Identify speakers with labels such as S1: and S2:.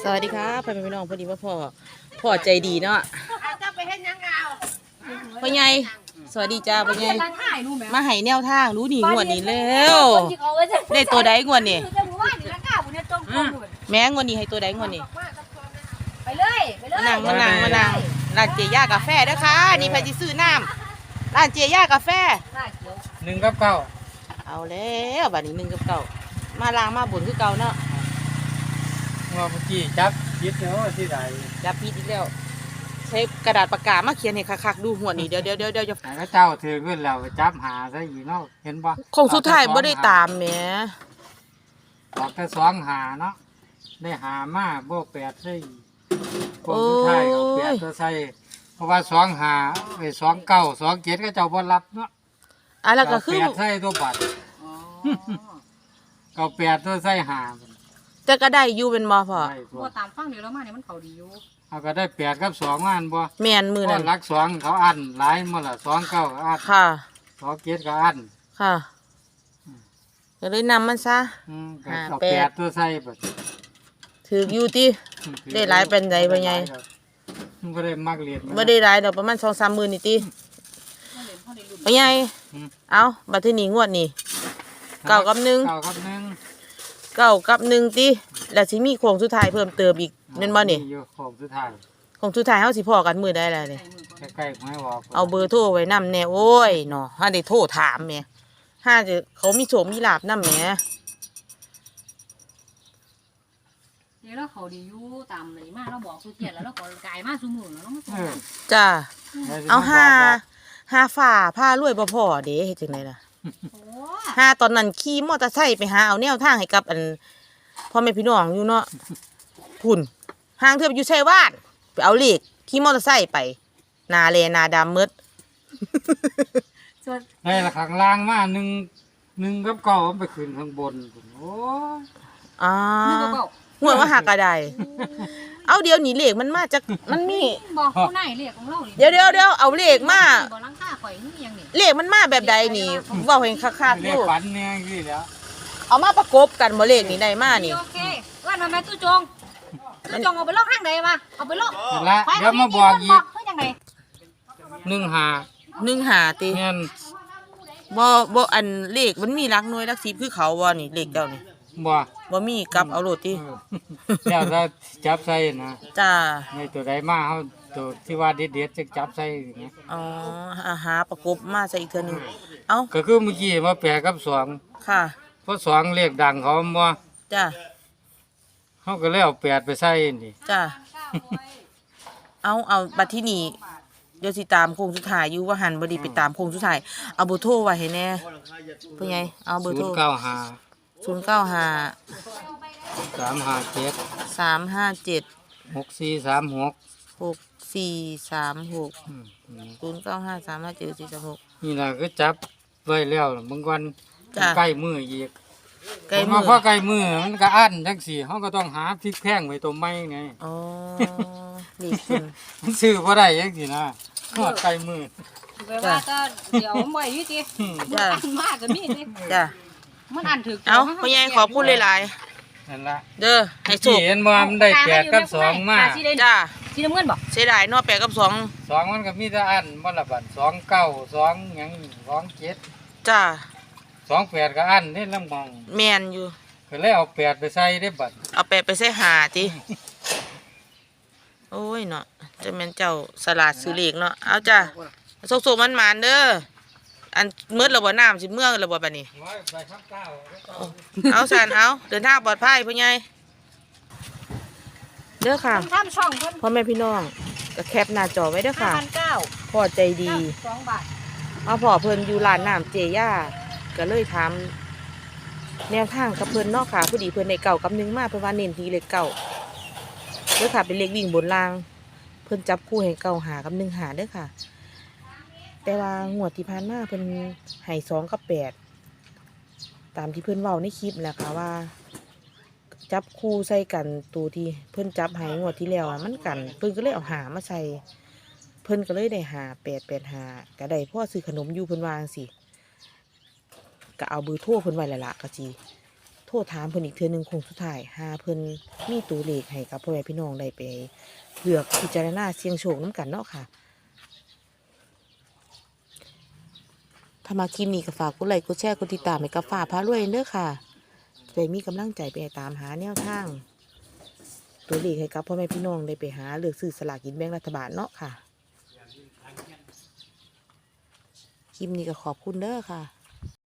S1: สวัสดีครับพ่อแม่พี่น้องพอดีว่าพ่อใจดีเนาะพ่อใหญ่สวัสดีจ้าพ่อใหญ่มาให้แนวทางรู้นี่งวดนี้แล้วได้ตัวใดงวดนี่แม่งวดนี้ให้ตัวใดงวดนี้
S2: ไปเลย
S1: มานั่งร้านเจียากาแฟเด้อค่ะนี่ไปซื้อน้ำร้านเจียากาแฟ
S3: 1 กับ 9
S1: เอาแล้วบัดนี้1 กับ 9มาล้างมาบุญคือเก่าเนาะ
S3: เมื่อกี้จับยึดเนาะที่ใด
S1: จับผิดอีกแล้วใช้กระดาษปากกามาเขียนให้คักๆดูหัวนี่เดี๋ยวจะ
S3: พระเจ้าถือขึ้นแล้วจับหาซะอีกเนาะเห็นบ่
S1: คงสุดท้ายบ่ได้ตามแหม
S3: บอกแต่2หาเนาะได้หามาบ่8ซะอีกคงสุดท้ายเอา8ตัวใส่เพราะว่า2หาไอ้2 9 2 7ก็เจ้าบ่รับเนาะ
S1: แล้วก็คือ
S3: 8ใส่ตัวบัตรก็8ตัวใส่หา
S1: จะก็ได้อยู่เป็นบ่พ่อ
S2: บ่ตามฟังเดี๋ยวเรามาเนี่ยมันเขาดีอยู่
S3: เอาก็ได้8 กับ 2มาอันบ่
S1: แม่นมือนั่น
S3: หลัก2เขาอันหลายหมดล่ะ2 9ก็อัน
S1: ค่ะ
S3: 2 7ก็อัน
S1: ค่ะก็เลยนำมันซะ
S3: เอา8ตัวใส่บัด
S1: ถืออยู่ติได้หลายเป็นไดบ่ใหญ่
S3: บ่ได้มักเรียน
S1: บ่ได้หลายดอกประมาณ 2-3 มื้อนี่ติบ่ใหญ่เอาบัดทีนี้งวดนี่9 กับ 1
S3: 9 กับ 1
S1: 9 กับ 1ติแล้วสิมีโค้งสุดท้ายเพิ่มเติมอีกแม่นบ่นี่
S3: โค้งสุดท้าย
S1: โค้งสุดท้ายเฮาสิพ้อกันมื้อใดล่ะนี่
S3: ใกล้ๆให้บอก
S1: เอาเบอร์โทรไว้นำแน่โอ้ยเนาะหาได้โทรถามแหมหาจะเขามีโชคมีลาภนำแหม
S2: เดี๋ยวเราเขาดีอยู่ตามเลยมาเราบอกสุเทียนแล้วเราก็กายมาซุมื้อแล้วเรา
S1: จ้าเอาหาฝ่าผ้ารวยบ่พอเด้เฮ็ดจังได๋ล่ะหาตอนนั้นขี่มอเตอร์ไซค์ไปหาเอาแนวทางให้กับอันพ่อแม่พี่น้องอยู่เนาะพุ่นห่างเทื่ออยู่ชัยวาดไปเอาเลขขี่มอเตอร์ไซค์ไปหน้าแลหน้าดำหมด
S3: ในละข้างล่างมา1 กับ 9มันไปขึ้นข้างบนโอ้
S1: หัวว่าหักกระไดเอาเดี๋ยวนี้เลขมันมาจากมันมี
S2: บอกผู้ไหนเลขของเรา
S1: เดี๋ยวเอาเลขมา
S2: บ่ลังค่าข่อยนี่ยังนี่
S1: เลขมันมาแบบใดนี่เว้าให้คักๆ
S3: เลขฝันเนี่ยสิแล้ว
S1: เอามาประกบกันบ่เลขนี่ได้มานี่
S2: โอเคว่าทำไมตู้จงเอาไปลอกทางใดมาเอาไปลอก
S3: ละเดี๋ยวมาบอกอีก
S2: เฮ็ดจังได
S1: 15ติ
S3: แม่น
S1: บ่อันเลขมันมีหลักหน่วยหลัก10คือเขาบ่นี่เลขเจ้านี่บ่มีกลับเอาโลดติ
S3: แล้วถ้าจับใส่นะ
S1: จ้า
S3: ในตัวใดมาเฮาตัวที่ว่าเด็ดๆจะจับใส่อย่างเงี้ย
S1: อ๋อหาประกบมาใส่อีกเทื่อนึงเอ้า
S3: ก็คือเมื่อกี้มา8 กับ 2
S1: ค่ะ
S3: เพราะ2เลขดังเขาบ่
S1: จ้า
S3: เฮาก็เลยเอา8ไปใส่นี่
S1: จ้าเอาบัดที่นี่เดี๋ยวสิตามโค้งสุดท้ายอยู่ว่าหันบ่ได้ไปตามโค้งสุดท้ายเอาเบอร์โทรไว้ให้แน่เพิ่นไงเอาเบอร์โทร095 357
S3: 6436
S1: 095357436
S3: นี่ล่ะก็จับไว้แล้วบางวันใกล้มื้ออีก
S1: ใกล้มื้อ
S3: พอใกล้มื้อมันก็อั้นจังซี่เฮาก็ต้องหาพริกแพงไว้ตัวใหม่ไง
S1: อ๋อนี่คือ
S3: มันซื้อบ่ได้จังซี่นะฮอดใกล้มื้อ
S2: ไปว่าก็เดี๋ยวบ่อยู่ติจ้าอันมากก็มีติ
S1: จ้า
S2: มันอันถึก
S1: เอ้าพ่อใหญ่ขอบคุณหลาย
S3: ๆนั่นล่ะ
S1: เด้อให้โชค
S3: เห็นบ่มันได้8 กับ 2มา
S1: จ้า
S2: สีน้ำเงินบ่
S1: เสียดายเนาะ8 กับ 2
S3: มันก็มีแต่อันบ่ละบัด2 9 2หยัง2 7
S1: จ้า
S3: 2 8ก็อันนี่ลำบอง
S1: แม่นอยู่
S3: ก็เลยเอา8ไปใส่ได้บัด
S1: เอา8ไปใส่หาติโอ้ยเนาะจะแม่นเจ้าสลัดซื้อเลขเนาะเอาจ้าสุกๆมันๆเด้ออันมืดระบ่น้ำสิเมื่อระบ่บัดนี้เอาสานเอาเดินทางปลอดภัยพ่อใหญ่เด้อค่ะพ่อแม่พี่น้องก็แคปหน้าจอไว้เด้อค่ะพ่อใจดี
S2: 2 บาท
S1: มาพ่อเพิ่นอยู่ร้านน้ำเจย่าก็เลยถามแนวทางกับเพิ่นเนาะค่ะพอดีเพิ่นได้9 กับ 1มาเพิ่นว่าเน้นที่เลข9เด้อค่ะเป็นเลขวิ่งบนล่างเพิ่นจับคู่ให้9 5 กับ 1 5เด้อค่ะแต่ว่างวดที่ผ่านมาเพิ่นให้2 กับ 8ตามที่เพิ่นเว้าในคลิปแหละค่ะว่าจับคู่ใส่กันตัวที่เพิ่นจับให้งวดที่แล้วมันกันเพิ่นก็เลยเอาหามาใส่เพิ่นก็เลยได้5885ก็ได้พ่อซื้อขนมอยู่เพิ่นว่าจังซี่ก็เอาเบอร์โทรเพิ่นไว้แล้วล่ะก็สิโทรถามเพิ่นอีกเทื่อหนึงคงสุดท้ายหาเพิ่นมีตัวเลขให้กับพ่อแม่พี่น้องได้ไปเลือกพิจารณาเสี่ยงโชคนํกันเนาะค่ะถ้ามาคลิปนี้ก็ฝากกดไลค์กดแชร์กดติดตามให้กับฟ้าพารวยเด้อค่ะจะได้มีกำลังใจไปตามหาแนวทางตัวเลขให้กับพ่อแม่พี่น้องได้ไปหาเลือกซื้อสลากกินแบ่งรัฐบาลเนาะค่ะคลิปนี้ก็ขอบคุณเด้อค่ะ